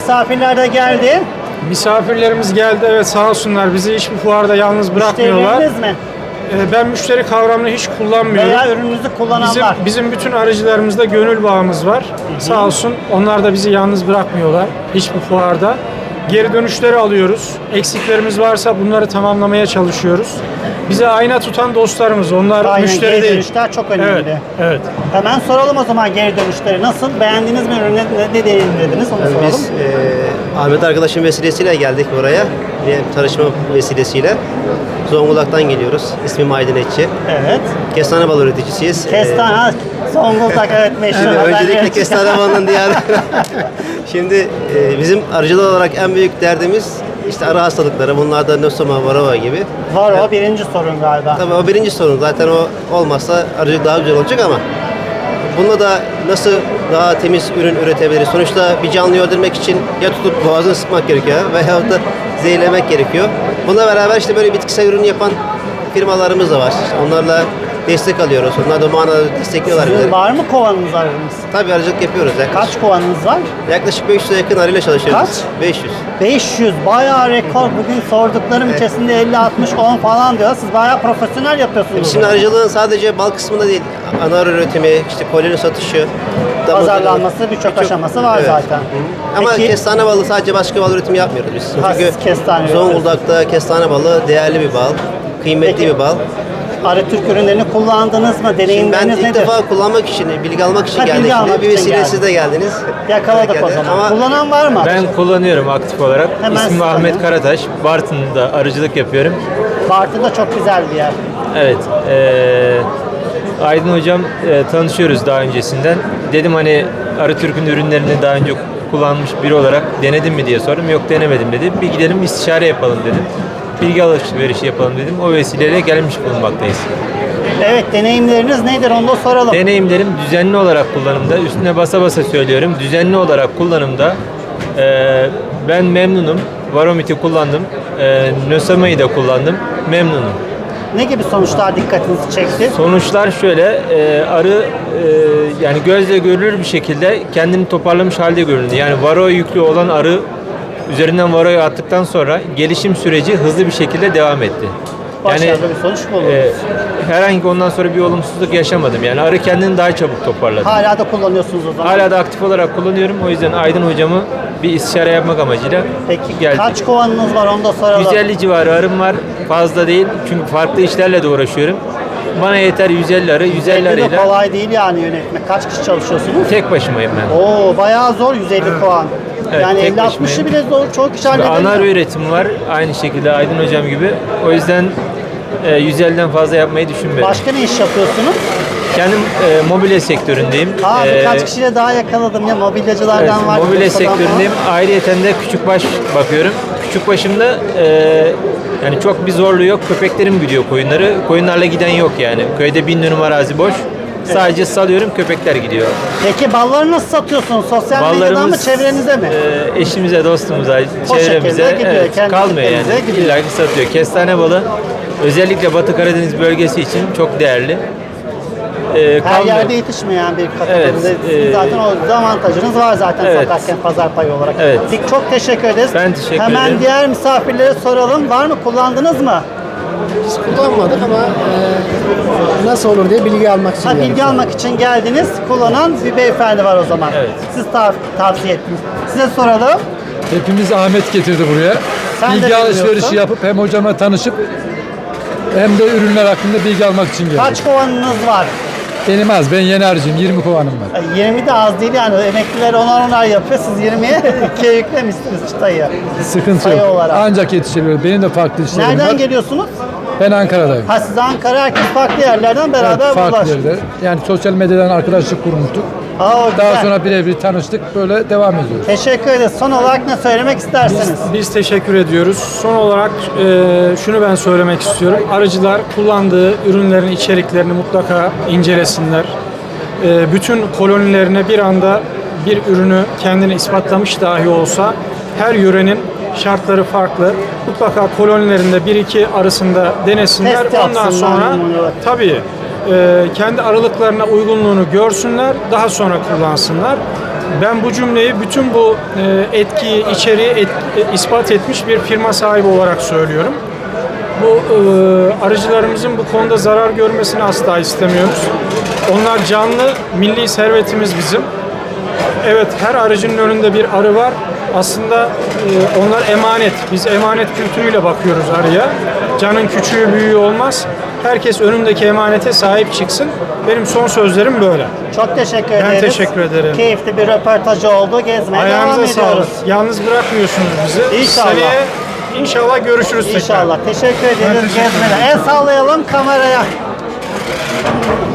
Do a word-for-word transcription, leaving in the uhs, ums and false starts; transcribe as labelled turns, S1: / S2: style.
S1: misafirler de geldi.
S2: Misafirlerimiz geldi, evet, sağ olsunlar, bizi hiçbir fuarda yalnız bırakmıyorlar.
S1: Müşterileriniz mi?
S2: Ee, Ben müşteri kavramını hiç kullanmıyorum.
S1: Veya ürününüzü kullananlar.
S2: Bizim, bizim bütün aracılarımızda gönül bağımız var. Hı hı. Sağ olsun, onlar da bizi yalnız bırakmıyorlar hiçbir fuarda. Geri dönüşleri alıyoruz. Eksiklerimiz varsa bunları tamamlamaya çalışıyoruz. Bize ayna tutan dostlarımız, onlar
S1: Aynen,
S2: müşteri
S1: geri
S2: değil.
S1: dönüşler çok önemli.
S2: Evet, evet.
S1: Hemen soralım o zaman geri dönüşleri nasıl? Beğendiniz mi ürünü? Ne, ne deneyimlediniz? Onu
S3: Yani
S1: soralım.
S3: biz e, Ahmet arkadaşın vesilesiyle geldik buraya. Bir tanışma vesilesiyle. Zonguldak'tan geliyoruz. İsmim Aydın Etçi.
S1: Evet.
S3: Kestane balı üreticisiyiz.
S1: Kestane, ha, Zonguldak evet meşhur.
S3: Şimdi
S1: haberleri
S3: öncelikle
S1: çıkan.
S3: kestane balının diyarı. Şimdi e, bizim arıcılık olarak en büyük derdimiz işte arı hastalıkları. Bunlardan Nosoma, Varroa gibi.
S1: Var o birinci sorun galiba.
S3: Tabii o birinci sorun. Zaten o olmazsa arıcılık daha güzel olacak ama bununla da nasıl daha temiz ürün üretebiliriz? Sonuçta bir canlıyı öldürmek için ya tutup boğazını sıkmak gerekiyor veyahut da zehirlemek gerekiyor. Bununla beraber işte böyle bitkisel ürün yapan firmalarımız da var. İşte onlarla destek alıyoruz. Onlar da bu manada destekliyorlar
S1: Sizin
S3: bizi.
S1: var mı kovanınız arınız?
S3: Tabii arıcılık yapıyoruz. Yaklaşık,
S1: Kaç kovanınız var?
S3: yaklaşık beş yüze yakın arıyla çalışıyoruz.
S1: Kaç?
S3: beş yüz.
S1: beş yüz. Bayağı rekor. Bugün sorduklarım
S3: Evet.
S1: içerisinde elli altmış on falan diyor. Siz bayağı profesyonel yapıyorsunuz.
S3: Şimdi arıcılığın sadece bal kısmında değil, ana arı üretimi, işte koloni satışı,
S1: Pazarlanması, birçok aşaması var zaten.
S3: Hı. Ama
S1: Peki-
S3: kestane balı sadece başka bal üretimi yapmıyoruz biz.
S1: Ha,
S3: Çünkü
S1: siz kestane
S3: Zonguldak'ta kestane balı değerli bir bal, kıymetli
S1: Peki,
S3: bir bal.
S1: Arı Türk ürünlerini kullandınız mı?
S3: Şimdi ben
S1: Deneyimleriniz
S3: ilk
S1: nedir?
S3: defa kullanmak için, bilgi almak için
S1: Ha, bilgi
S3: geldik.
S1: almak
S3: Şimdi bir
S1: için
S3: vesile
S1: geldin.
S3: siz de geldiniz.
S1: Yakaladık
S3: Geldi.
S1: o zaman.
S3: Ama
S1: Kullanan var mı?
S4: Ben kullanıyorum aktif olarak.
S1: Hemen
S4: İsmim
S1: siz
S4: Ahmet
S1: tanıyın.
S4: Karataş. Bartın'da arıcılık yapıyorum.
S1: Bartın da çok güzel bir yer.
S4: Evet. eee, Aydın hocam e, tanışıyoruz daha öncesinden. Dedim hani Arı Türk'ün ürünlerini daha önce kullanmış biri olarak denedin mi diye sordum. Yok denemedim dedi. Bir gidelim istişare yapalım dedim. Bilgi alışverişi yapalım dedim. O vesileyle gelmiş bulunmaktayız.
S1: Evet, deneyimleriniz nedir onu da soralım.
S4: Deneyimlerim düzenli olarak kullanımda, üstüne basa basa söylüyorum. Düzenli olarak kullanımda e, ben memnunum. Varomit'i kullandım. E, Nosama'yı da kullandım. Memnunum.
S1: Ne gibi sonuçlar dikkatinizi çekti?
S4: Sonuçlar şöyle, e, arı e, yani gözle görülür bir şekilde kendini toparlamış halde göründü. Yani varo yüklü olan arı üzerinden varoyu attıktan sonra gelişim süreci hızlı bir şekilde devam etti.
S1: Başarılı bir sonuç mu oldu?
S4: e, herhangi ondan sonra bir olumsuzluk yaşamadım. Yani arı kendini daha çabuk toparladı.
S1: Hala da kullanıyorsunuz o zaman.
S4: Hala da aktif olarak kullanıyorum. O yüzden Aydın hocamı bir istişare yapmak amacıyla
S1: Peki
S4: geldik.
S1: kaç kovanınız var onu da soralım.
S4: yüz elli civarı arım var. Fazla değil. Çünkü farklı işlerle de uğraşıyorum. Bana yeter yüz elli arı. yüz elli
S1: yüz elli de
S4: arıyla
S1: kolay değil yani yönetmek. Kaç kişi çalışıyorsunuz?
S4: tek başımayım ben.
S1: Oo bayağı zor yüz elli kovan.
S4: Evet,
S1: yani
S4: tek
S1: elli altmışı bile
S4: başımayım.
S1: zor. Çok kişi
S4: Şimdi
S1: halledemiyor.
S4: ana arı üretimi var. Aynı şekilde Aydın hocam gibi. O yüzden e, yüz elliden fazla yapmayı düşünmüyorum.
S1: Başka ne iş yapıyorsunuz?
S4: Kendim e, mobilya sektöründeyim.
S1: Aa
S4: E,
S1: birkaç kişiyle daha yakaladım ya mobilyacılardan
S4: Evet,
S1: var.
S4: mobilya
S1: Bursa'dan falan.
S4: sektöründeyim. Ayrıyeten de küçükbaş bakıyorum. Küçükbaşımda e, yani çok bir zorluğu yok. Köpeklerim gidiyor koyunları. Koyunlarla giden yok yani. Köyde bin dönüm arazi boş. Sadece salıyorum, köpekler gidiyor.
S1: Peki balları nasıl satıyorsunuz? Sosyal medyadan mı
S4: Ballarımız
S1: çevrenize mi?
S4: e, eşimize, dostumuza,
S1: O
S4: çevremize
S1: şekilde gidiyor,
S4: evet,
S1: kendi
S4: kalmıyor
S1: kitlerinize
S4: yani.
S1: gidiyor.
S4: İlla ki satıyor. Kestane balı özellikle Batı Karadeniz bölgesi için çok değerli. E,
S1: Her
S4: kalmıyor.
S1: yerde yetişmeyen bir kategoride.
S4: Evet,
S1: Sizin
S4: e,
S1: zaten o avantajınız var zaten
S4: evet.
S1: satarken pazar payı olarak.
S4: Evet.
S1: Peki, çok teşekkür ederiz.
S4: Ben teşekkür
S1: Hemen
S4: ederim.
S1: diğer misafirlere soralım. Var mı? Kullandınız mı?
S5: Biz kullanmadık ama e, nasıl olur diye bilgi almak için
S1: Ha,
S5: geldik.
S1: bilgi almak için geldiniz. Kullanan bir beyefendi var o zaman.
S4: Evet.
S1: Siz tav- tavsiye ettiniz. Size soralım.
S6: Hepimiz Ahmet getirdi buraya.
S1: Sen de
S6: bilgi
S1: bilmiyorsun.
S6: alışverişi yapıp hem hocamla tanışıp hem de ürünler hakkında bilgi almak için geldim.
S1: Kaç kovanınız var?
S6: Benim az, ben yeni harcıyım, yirmi kovanım var.
S1: Ay, yirmi de az değil yani. Emekliler onar onar yapıyor. Siz yirmiye ikiye yüklemişsiniz çıtayı.
S6: Sıkıntı
S1: sayı
S6: yok.
S1: olarak.
S6: Ancak yetişebiliyor. Benim de farklı işlerim
S1: Nereden
S6: var.
S1: geliyorsunuz?
S6: Ben Ankara'dayım.
S1: Ha siz Ankara, herkes farklı yerlerden beraber
S6: Evet, farklı
S1: bulaştık.
S6: yerde. Yani sosyal medyadan arkadaşlık kurmuştuk.
S1: Aa, o
S6: Daha
S1: güzel.
S6: sonra birebir tanıştık, böyle devam ediyoruz.
S1: Teşekkür ederiz. Son olarak ne söylemek istersiniz?
S2: Biz teşekkür ediyoruz. Son olarak e, şunu ben söylemek istiyorum. Arıcılar kullandığı ürünlerin içeriklerini mutlaka incelesinler. E, bütün kolonilerine bir anda bir ürünü kendini ispatlamış dahi olsa her yörenin şartları farklı. Mutlaka kolonilerinde bir iki arasında denesinler.
S1: Test
S2: Ondan
S1: yapsınlar
S2: sonra
S1: bunu.
S2: tabii e, kendi aralıklarına uygunluğunu görsünler. Daha sonra kullansınlar. Ben bu cümleyi bütün bu e, etkiyi, içeriği et- e, ispat etmiş bir firma sahibi olarak söylüyorum. Bu e, arıcılarımızın bu konuda zarar görmesini asla istemiyoruz. Onlar canlı, milli servetimiz bizim. Evet, her arıcının önünde bir arı var. Aslında e, onlar emanet. Biz emanet kültürüyle bakıyoruz arıya. Canın küçüğü büyüğü olmaz. Herkes önündeki emanete sahip çıksın. Benim son sözlerim böyle.
S1: Çok teşekkür
S2: Ben
S1: ederiz.
S2: teşekkür ederim.
S1: Keyifli bir röportaj oldu. Gezmeye devam
S2: Ayağınıza
S1: ediyoruz.
S2: sağlık. Yalnız bırakmıyorsunuz bizi.
S1: İnşallah.
S2: Seneye inşallah görüşürüz tekrar.
S1: İnşallah. Teşekkür ederiz. Gezmede. El sallayalım kameraya.